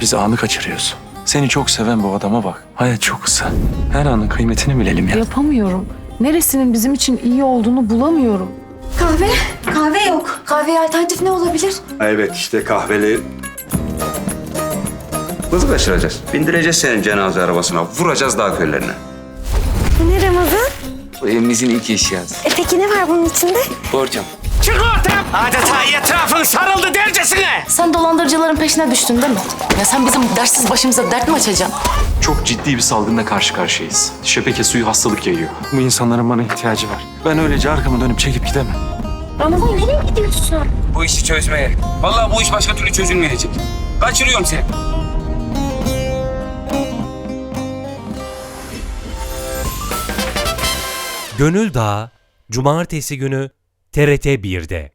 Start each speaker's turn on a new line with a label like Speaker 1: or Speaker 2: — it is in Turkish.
Speaker 1: Biz anı kaçırıyoruz. Seni çok seven bu adama bak. Hayat çok kısa. Her anın kıymetini bilelim ya.
Speaker 2: Yapamıyorum. Neresinin bizim için iyi olduğunu bulamıyorum.
Speaker 3: Kahve? Kahve yok. Kahveye alternatif ne olabilir?
Speaker 4: Evet işte kahveli. Kızı kaçıracağız. Bindireceğiz senin cenaze arabasına. Vuracağız dağ köylerine.
Speaker 3: Bu ne Ramazan?
Speaker 5: Bu evimizin ilk eşyası.
Speaker 3: Peki ne var bunun içinde?
Speaker 5: Borcam.
Speaker 6: Çık ortaya! Adeta etrafın sarıldı dercesine!
Speaker 2: Sen dolandırıcıların peşine düştün değil mi? Ya sen bizim dersiz başımıza dert mi açacaksın?
Speaker 1: Çok ciddi bir salgınla karşı karşıyayız. Şebeke suyu hastalık yayıyor. Bu insanların bana ihtiyacı var. Ben öylece arkamı dönüp çekip gidemem.
Speaker 3: Ramazan nereye gidiyorsun?
Speaker 5: Bu işi çözmeye. Vallahi bu iş başka türlü çözülmeyecek. Kaçırıyorum seni.
Speaker 7: Gönül Dağı Cumartesi günü TRT 1'de.